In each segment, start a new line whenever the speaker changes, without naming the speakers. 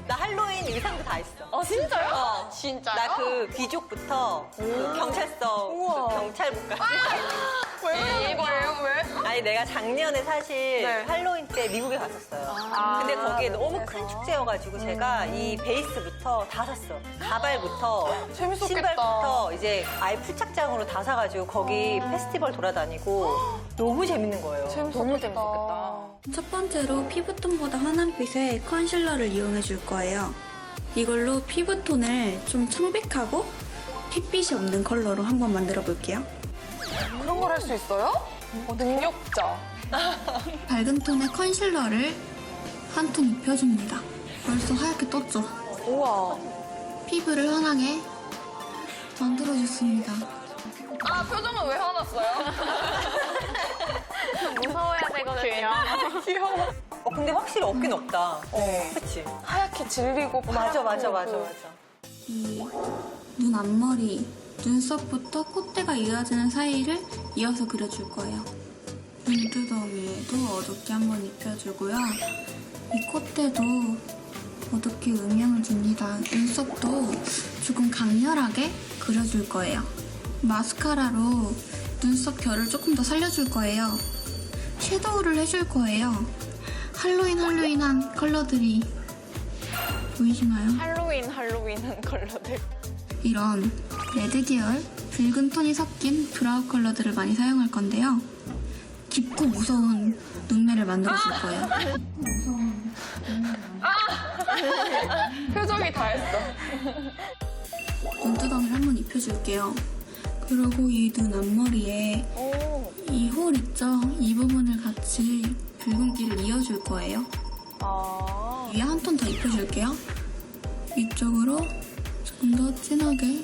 나 할로윈 의상도 다 했어.
진짜요?
진짜요?
나 그 귀족부터 그 경찰서 그 경찰국까지.
왜 그러는 거예요? 왜?
아니 내가 작년에 사실
네.
할로윈 때 미국에 갔었어요. 근데 거기에 너무 큰 축제여가지고 제가 이 베이스부터 다 샀어. 가발부터
재밌었겠다.
신발부터 이제 아예 풀착장으로 다 사가지고 거기 페스티벌 돌아다니고 너무 재밌는 거예요.
너무 재밌었겠다.
첫 번째로 피부톤보다 환한 빛의 컨실러를 이용해 줄 거예요. 이걸로 피부톤을 좀 청백하고 핏빛이 없는 컬러로 한번 만들어 볼게요.
그런 걸 할 수 있어요? 능력자.
밝은 톤의 컨실러를 한 톤 입혀줍니다. 벌써 하얗게 떴죠?
우와.
피부를 환하게 만들어줬습니다.
아, 표정은 왜 화났어요?
무서워야 되거든요.
귀여워.
근데 확실히 없긴 없다. 그치?
하얗게 질리고
맞아.
이 눈 앞머리, 눈썹부터 콧대가 이어지는 사이를 이어서 그려줄 거예요. 눈두덩이에도 어둡게 한번 입혀주고요. 이 콧대도 어둡게 음영을 줍니다. 눈썹도 조금 강렬하게 그려줄 거예요. 마스카라로 눈썹 결을 조금 더 살려줄 거예요. 섀도우를 해줄 거예요. 할로윈한 컬러들이 보이시나요?
할로윈한 컬러들.
이런 레드 계열, 붉은 톤이 섞인 브라운 컬러들을 많이 사용할 건데요. 깊고 무서운 눈매를 만들어줄 거예요.
표정이 다 했어.
눈두덩이를 한번 입혀줄게요. 그리고 이 눈 앞머리에 이 홀 있죠? 이 부분을 같이 붉은기를 이어줄 거예요. 위에 한 톤 더 입혀줄게요. 위쪽으로 조금 더 진하게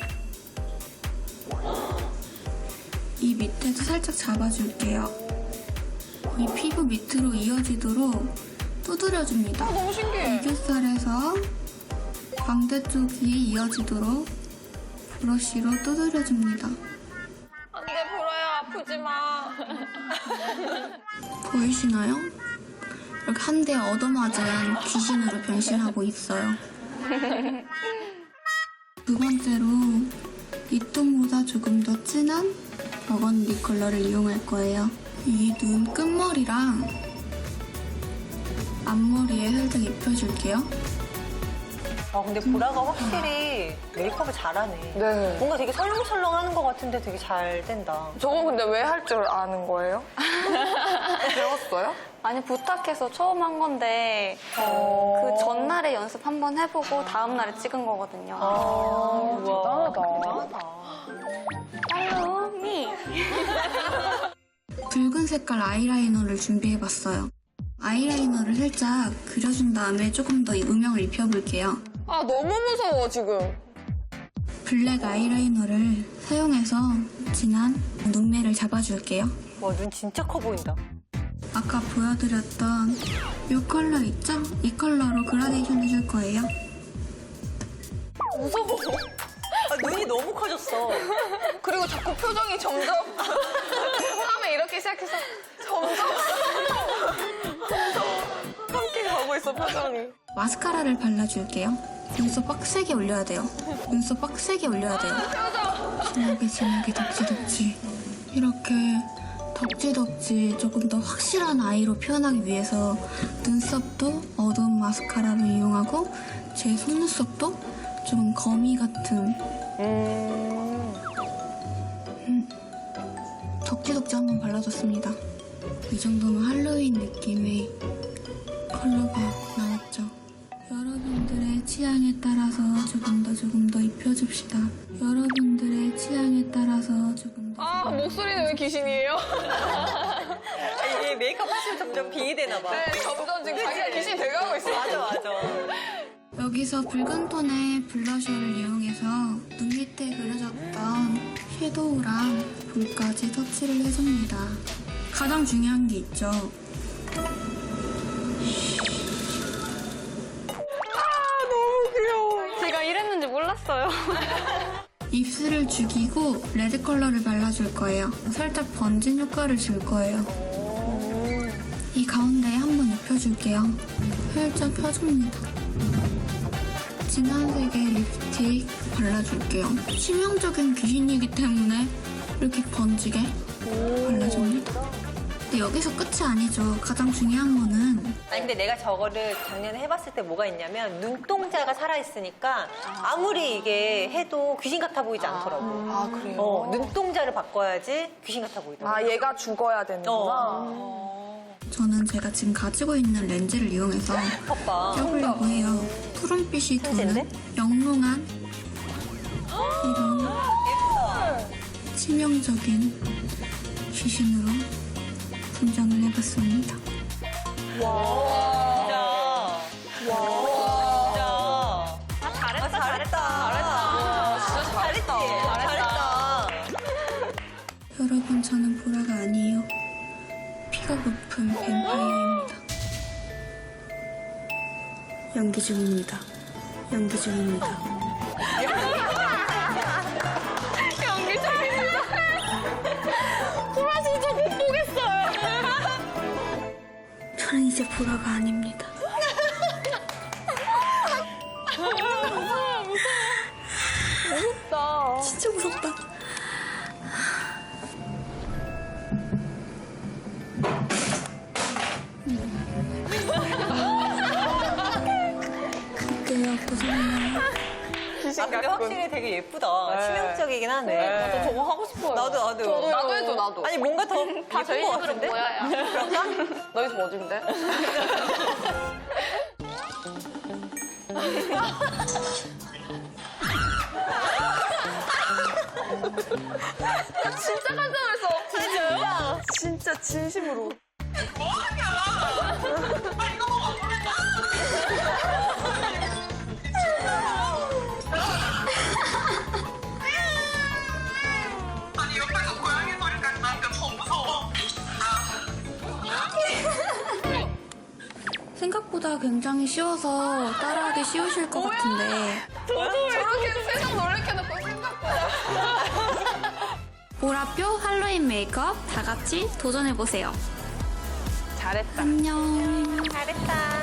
이 밑에도 살짝 잡아줄게요. 이 피부 밑으로 이어지도록 두드려줍니다.
너무 신기해.
애교살에서 광대 쪽이 이어지도록 브러쉬로 두드려줍니다.
안 돼, 보라야. 아프지 마.
보이시나요? 이렇게 한 대 얻어맞은 귀신으로 변신하고 있어요. 두 번째로 이 톤보다 조금 더 진한 버건디 컬러를 이용할 거예요. 이 눈 끝머리랑 앞머리에 살짝 입혀줄게요.
근데 보라가 확실히 메이크업을 잘하네.
네.
뭔가 되게 설렁설렁 하는 것 같은데 되게 잘 된다.
저건 근데 왜 할 줄 아는 거예요? 배웠어요?
아니 부탁해서 처음 한 건데 그 전날에 연습 한번 해보고 다음날에 찍은 거거든요.
대단하다.
Follow me.
붉은 색깔 아이라이너를 준비해봤어요. 아이라이너를 살짝 그려준 다음에 조금 더 음영을 입혀볼게요.
아, 너무 무서워, 지금.
블랙 아이라이너를 사용해서 진한 눈매를 잡아줄게요.
와, 눈 진짜 커 보인다.
아까 보여드렸던 이 컬러 있죠? 이 컬러로 그라데이션 해줄 거예요.
무서워.
눈이 너무 커졌어.
그리고 자꾸 표정이 점점 처음에 이렇게 시작해서 점점 함께 가고 있어, 표정이.
마스카라를 발라줄게요. 눈썹 빡세게 올려야 돼요. 눈썹 빡세게 올려야 돼요. 진하게 덕지덕지. 이렇게 덕지덕지 조금 더 확실한 아이로 표현하기 위해서 눈썹도 어두운 마스카라로 이용하고 제 속눈썹도 좀 거미 같은 덕지덕지 한번 발라줬습니다. 이 정도면 할로윈 느낌의 컬러가 나왔죠. 여러분들의 취향에 따라서 조금 더 입혀줍시다. 여러분들의 취향에 따라서 조금 더.
아, 목소리는 왜 귀신이에요?
이게 메이크업 하시면 점점 빙이 되나 봐.
네, 점점 지금 자기가 귀신이 돼가고 있어.
맞아.
여기서 붉은 톤의 블러셔를 이용해서 눈 밑에 그려졌던 섀도우랑 볼까지 터치를 해줍니다. 가장 중요한 게 있죠.
제가 이랬는지 몰랐어요.
입술을 죽이고 레드 컬러를 발라줄 거예요. 살짝 번진 효과를 줄 거예요. 이 가운데에 한번 입혀줄게요. 살짝 펴줍니다. 조금씩 발라줄게요. 치명적인 귀신이기 때문에 이렇게 번지게 발라줍니다. 근데 여기서 끝이 아니죠. 가장 중요한 거는
아니 근데 내가 저거를 작년에 해봤을 때 뭐가 있냐면 눈동자가 살아있으니까 아무리 이게 해도 귀신 같아 보이지 않더라고.
아, 그래요?
눈동자를 바꿔야지 귀신 같아 보이더라고.
아, 얘가 죽어야 되는구나.
저는 제가 지금 가지고 있는 렌즈를 이용해서
봐봐.
껴보려고 해요. 푸른빛이 도는
천재인데?
영롱한 이런 치명적인 귀신으로 분장을 해봤습니다.
진짜. 진짜.
잘했다,
잘했다.
진짜 잘했다.
잘했다.
여러분, 저는 보라가 아니에요. 피가 고픈 뱀파이어입니다. 연기 중입니다. 연기 중입니다.
보라 진짜 못 보겠어요.
저는 이제 보라가 아닙니다.
무섭다.
진짜 무섭다. 그때요, 고생해요.
귀신
근데
같군.
확실히 되게 예쁘다. 치명적이긴 하네.
저 저거 하고 싶어요.
나도.
나도 해줘, 나도.
아니 뭔가 더
다 저희
예쁜 것
집으로
같은데?
모여요.
너희 집 어딘데? 진짜 깜짝 놀랐어. 진짜요? 진짜 진심으로.
아니 옆에서 고양이 소리까지 나니까 더 무서워.
생각보다 굉장히 쉬워서 따라하기 쉬우실 것 같은데
저렇게 세상 놀래켜놓고 생각보다.
보라표 할로윈 메이크업 다 같이 도전해보세요.
잘했다.
안녕.
잘했다.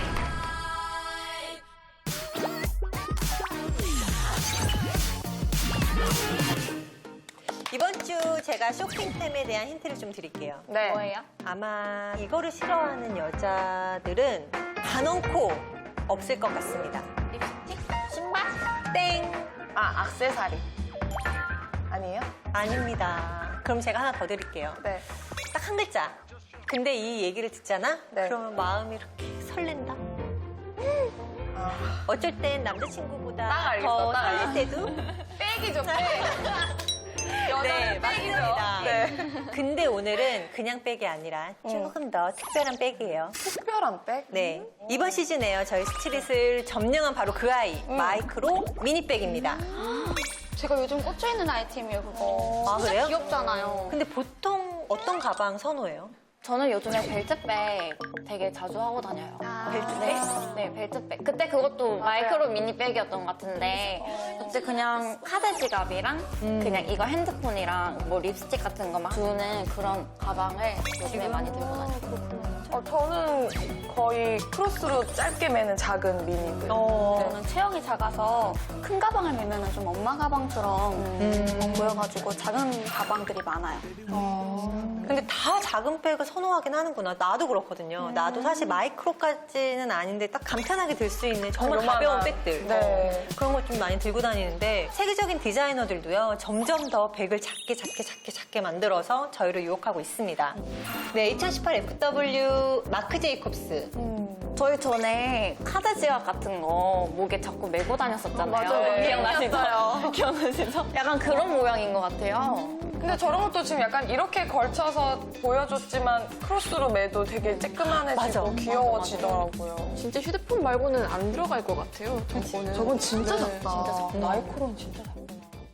이번 주 제가 쇼핑템에 대한 힌트를 좀 드릴게요.
네.
뭐예요?
아마 이거를 싫어하는 여자들은 단언코 없을 것 같습니다.
립스틱? 신발?
땡!
아, 액세서리. 아니에요?
아닙니다. 그럼 제가 하나 더 드릴게요.
네.
딱 한 글자. 근데 이 얘기를 듣잖아?
네.
그러면 마음이 이렇게 설렌다? 어쩔 땐 남자친구보다
딱 알겠어,
더
딱
설렐
알겠어.
때도?
백이죠, 백.
네,
여자는 백이죠.
맞습니다.
네.
근데 오늘은 그냥 백이 아니라 조금 더 특별한 백이에요.
특별한 백?
네. 이번 시즌에요. 저희 스트릿을 점령한 바로 그 아이. 마이크로 미니백입니다.
제가 요즘 꽂혀있는 아이템이에요, 그거.
아,
진짜
그래요?
귀엽잖아요.
근데 보통 어떤 가방 선호해요?
저는 요즘에 벨트백 되게 자주 하고 다녀요.
벨트백?
네, 벨트백. 그때 그것도 마이크로 미니백이었던 것 같은데 그때 그냥 카드 지갑이랑 그냥 이거 핸드폰이랑 뭐 립스틱 같은 거 막 두는 그런 가방을 요즘에 많이 들고 다녀요.
저는 거의 크로스로 짧게 매는 작은 미니들.
저는 체형이 작아서 큰 가방을 메면 좀 엄마 가방처럼 보여가지고 작은 가방들이 많아요.
근데 다 작은 백을 선호하긴 하는구나. 나도 그렇거든요. 나도 사실 마이크로까지는 아닌데 딱 간편하게 들 수 있는 정말
요만한.
가벼운 백들.
네.
그런 걸 좀 많이 들고 다니는데 세계적인 디자이너들도요. 점점 더 백을 작게 만들어서 저희를 유혹하고 있습니다. 네, 2018 FW 마크 제이콥스.
저희 전에 카드 지갑 같은 거 목에 자꾸 메고 다녔었잖아요.
맞아요.
기억나시죠? 기억나시죠? 약간 그런 모양인 것 같아요.
근데 저런 것도 지금 약간 이렇게 걸쳐서 보여줬지만 크로스로 매도 되게 쬐끄만해지고 귀여워지더라고요.
진짜 휴대폰 말고는 안 들어갈 것 같아요. 저거는.
저건 진짜 작다.
진짜 작다.
마이크로는 진짜 작구나.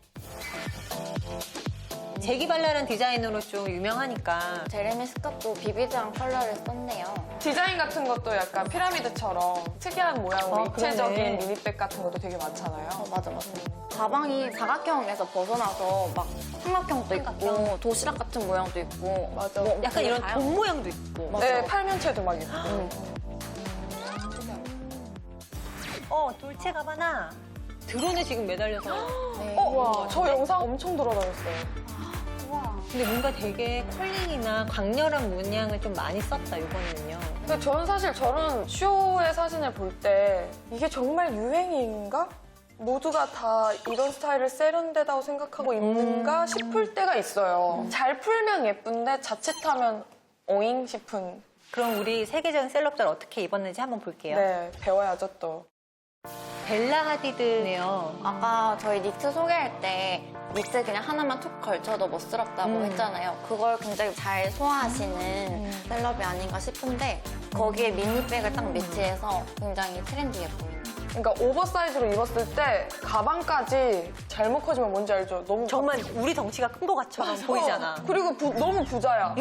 재기발랄한 디자인으로 좀 유명하니까.
제레미 스캇도 비비드한 컬러를 썼네요.
디자인 같은 것도 약간 피라미드처럼 특이한 모양으로 입체적인
그러네.
미니백 같은 것도 되게 많잖아요.
맞아. 가방이 사각형에서 벗어나서 막 삼각형도 있고 도시락 같은 모양도 있고
맞아.
약간 이런
다양하고.
돈 모양도 있고.
네, 팔면체도 막 있고.
돌체 가바나. 드론에 지금 매달려서.
저 영상 엄청 돌아다녔어요.
근데 뭔가 되게 컬링이나 강렬한 문양을 좀 많이 썼다, 이번에는요.
근데 저는 사실 저런 쇼의 사진을 볼 때 이게 정말 유행인가? 모두가 다 이런 스타일을 세련되다고 생각하고 입는가 싶을 때가 있어요. 잘 풀면 예쁜데 자칫하면 오잉 싶은.
그럼 우리 세계적인 셀럽들 어떻게 입었는지 한번 볼게요.
네, 배워야죠 또.
벨라 하디드네요.
아까 저희 니트 소개할 때 니트 그냥 하나만 툭 걸쳐도 멋스럽다고 했잖아요. 그걸 굉장히 잘 소화하시는 셀럽이 아닌가 싶은데 거기에 미니백을 딱 매치해서 굉장히 트렌디해 보이는.
그러니까 오버사이즈로 입었을 때 가방까지 잘못 커지면 뭔지 알죠? 너무
정말 우리 덩치가 큰 것 같처럼 보이잖아.
그리고 너무 부자야.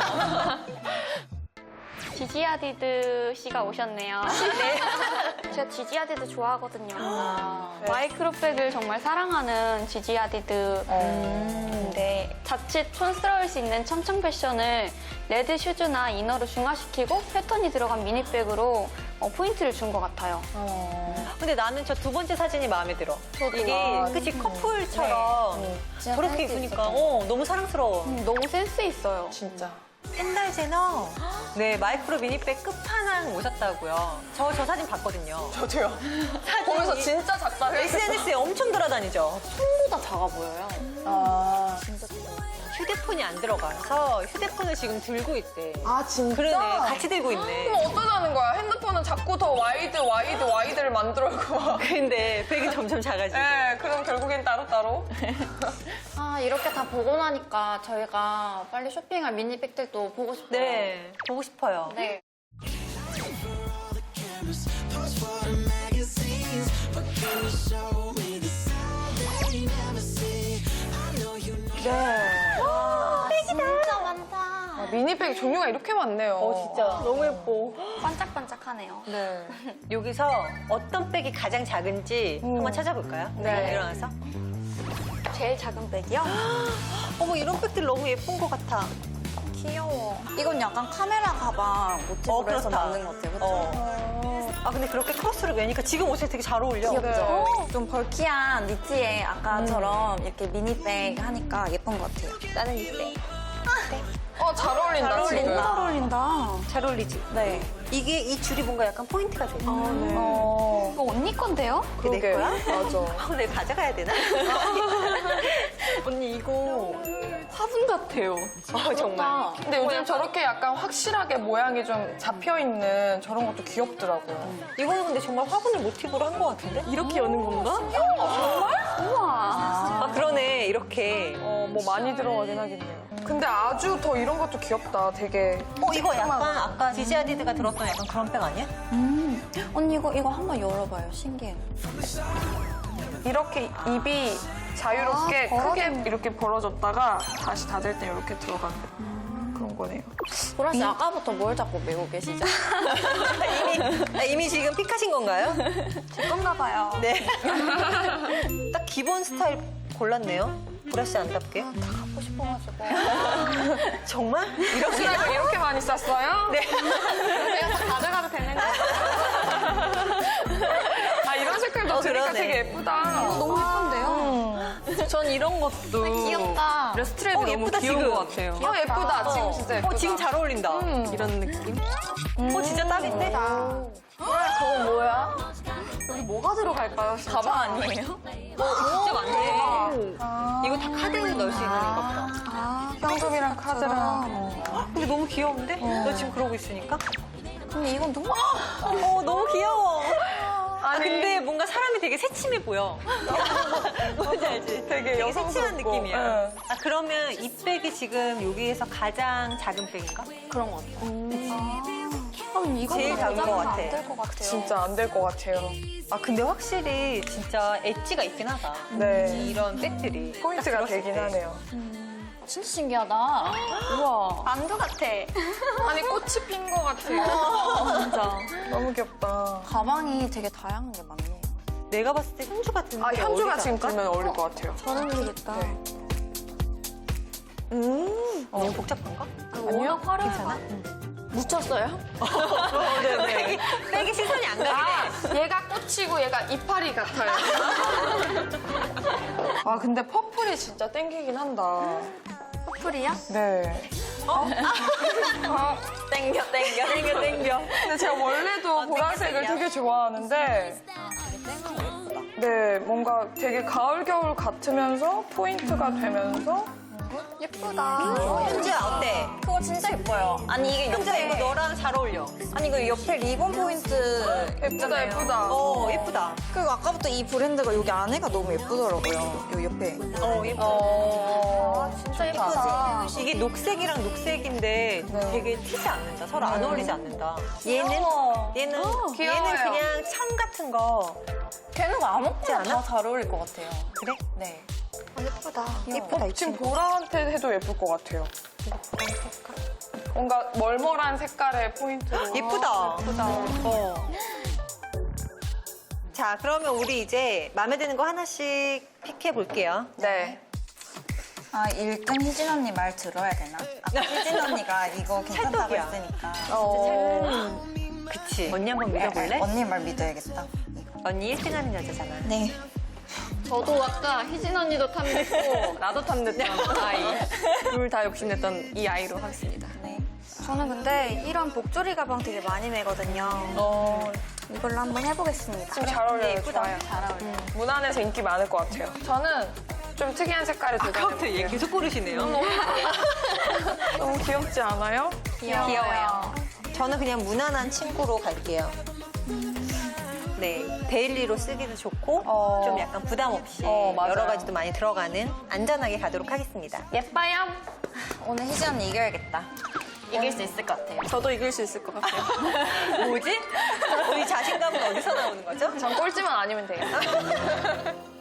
지지 하디드 씨가 오셨네요. 네. 제가 지지 하디드 좋아하거든요. 마이크로백을 정말 사랑하는 지지 하디드. 네. 자칫 촌스러울 수 있는 청청 패션을 레드 슈즈나 이너로 중화시키고 패턴이 들어간 미니백으로 포인트를 준 것 같아요.
근데 나는 저 두 번째 사진이 마음에 들어. 이게 그치 커플처럼
진짜
저렇게
센스
입으니까
있었던
너무 사랑스러워.
너무 센스 있어요.
진짜.
kendall 제너 네 마이크로 미니백 끝판왕 오셨다고요. 저 사진 봤거든요.
저도요. 보면서 진짜 작다.
SNS에 엄청 돌아다니죠.
손보다 작아 보여요.
아,
휴대폰이 안 들어가서 휴대폰을 지금 들고 있대.
아 진짜?
그러네. 같이 들고 있네.
그럼 어쩌자는 거야? 핸드폰은 자꾸 더 와이드를 만들어고 막.
근데 백이 점점 작아지고.
네, 그럼 결국엔 따로따로.
아, 이렇게 다 보고 나니까 저희가 빨리 쇼핑할 미니백들도 보고 싶어요.
네, 보고 싶어요.
네.
진짜 많다.
아, 미니백 종류가 이렇게 많네요.
진짜.
너무 예뻐.
반짝반짝하네요.
네.
여기서 어떤 백이 가장 작은지 한번 찾아볼까요?
네.
일어나서.
제일 작은 백이요?
어머, 이런 백들 너무 예쁜 것 같아.
귀여워. 이건 약간 카메라 가방 모티브로 해서
그렇다.
만든 것 같아요. 그렇죠?
아, 근데 그렇게 크로스로 매니까 지금 옷에 되게 잘 어울려.
귀엽죠? 좀 벌키한 니트에 아까처럼 이렇게 미니백 하니까 예쁜 것 같아요.
나는 이때.
잘 어울린다,
잘
지금.
어울린다.
어울린다.
잘 어울리지?
네.
이게 이 줄이 뭔가 약간 포인트가 돼.
이거 언니 건데요?
내
그러게.
거야?
맞아.
내가 가져가야 되나? 언니 이거
화분 같아요.
정말.
근데 요즘 저렇게 약간 확실하게 모양이 좀 잡혀있는 저런 것도 귀엽더라고요.
이거는 근데 정말 화분을 모티브로 한 것 같은데?
이렇게 여는 건가? 정말? 우와.
아 그러네 이렇게.
뭐 많이 들어가긴 하겠네요. 근데 아주 더 이런 것도 귀엽다. 되게.
이거 약간 아까 지지 하디드가 들었던 약간 그런 백 아니야?
언니 이거 한번 열어봐요. 신기해.
이렇게 입이 자유롭게
아,
크게 이렇게 벌어졌다가 다시 닫을 때 이렇게 들어가는 그런 거네요.
보라 씨 아까부터 뭘 자꾸 메고 계시죠?
이미 지금 픽하신 건가요?
제 건가 봐요.
네. 딱 기본 스타일 골랐네요. 보라 씨 안답게.
갖고 싶어가지고.
정말?
옷이라고 이렇게 많이 쌌어요?
네.
내가 다 가져가도 되는 거야?
아, 이런 색깔도 들으니까
그러네.
되게 예쁘다.
너무 예쁜데요?
전 이런 것도
귀엽다.
스트랩이 너무
예쁘다,
귀여운
지금.
것 같아요.
예쁘다. 지금 진짜 예쁘다.
지금 잘 어울린다.
이런 느낌?
진짜 딱인데?
그건 뭐야?
여기 뭐가 들어갈까요? 진짜?
가방 아니에요?
진짜 많네. 이거 다 카드에 넣을 수 있는 건가 보다.
현금이랑 카드랑.
근데 너무 귀여운데? 너 지금 그러고 있으니까?
근데 이건 너무
너무 귀여워. 근데 뭔가 사람이 되게 새침해 보여. 뭔지 알지?
되게
새침한
여성스럽고.
느낌이야.
응.
그러면 이 백이 지금 여기에서 가장 작은 백인가?
그런 것 같아요.
그럼 이거
제일 작은 것 같아.
안될 것 같아요.
진짜 안 될 것 같아요.
근데 확실히 진짜 엣지가 있긴 하다.
네.
이런 백들이.
포인트가
딱 들었을
되긴
때.
하네요.
진짜 신기하다.
우와. 만두 같아.
아니, 꽃이 핀 것 같아요.
진짜.
너무 귀엽다.
가방이 되게 다양한 게 많네요.
내가 봤을 때 현주 같은
현주가 지금 들면 어울릴 것 같아요.
잘 어울리겠다.
네.
너무 복잡한가?
워낙 화려해가. 묻혔어요?
네. 백이 시선이 안 가긴 해.
얘가 꽃이고 얘가 이파리 같아요. 아 근데 퍼플이 진짜 땡기긴 한다.
퍼플이야?
네.
땡겨.
근데 제가 원래도 보라색을 되게 좋아하는데 네 뭔가 되게 가을 겨울 같으면서 포인트가 되면서
예쁘다.
현주야 어때?
그거 진짜 예뻐요. 아니 이게
현주야 이거
옆에
너랑 잘 어울려.
아니 이거 옆에 리본 포인트
예쁘다 예쁘다.
예쁘다.
그리고 아까부터 이 브랜드가 여기 안에가 너무 예쁘더라고요. 요 옆에.
진짜 예쁘다.
이게 녹색이랑 녹색인데 되게 튀지 않는다. 서로 안 어울리지 않는다. 얘는
귀여워요.
그냥 천 같은 거.
걔는 아무거나
않아?
다 잘 어울릴 것 같아요.
그래?
네.
예쁘다.
예쁘다, 이
지금
친구.
보라한테 해도 예쁠 것 같아요. 뭔가 멀멀한 색깔의 포인트로.
예쁘다. 자, 그러면 우리 이제 마음에 드는 거 하나씩 픽해 볼게요.
네.
아, 1등 희진 언니 말 들어야 되나? 아까 희진 언니가 이거 괜찮다고
찰떡이야.
했으니까.
그치. 언니 한번 믿어볼래?
언니 말 믿어야겠다.
언니 1등 하는 여자잖아.
네.
저도 아까 희진 언니도 탐냈고 나도 탐냈던 아이. 둘 다 욕심냈던 이 아이로 하겠습니다.
저는 근데 이런 복조리 가방 되게 많이 매거든요. 이걸로 한번 해보겠습니다.
지금 잘 어울려요.
예쁘다.
좋아요. 잘 어울려요. 무난해서 인기 많을 것 같아요. 저는 좀 특이한 색깔을
아까부터 얘
도전해볼게요.
계속 고르시네요.
너무 귀엽지 않아요?
귀여워요. 저는 그냥 무난한 친구로 갈게요. 네, 데일리로 쓰기도 좋고 좀 약간 부담 없이
맞아요.
여러 가지도 많이 들어가는 안전하게 가도록 하겠습니다.
예뻐요?
오늘 희진 언니 이겨야겠다. 이길 수 있을 것 같아요.
저도 이길 수 있을 것 같아요.
뭐지? 우리 자신감은 어디서 나오는 거죠?
전 꼴찌만 아니면 돼요.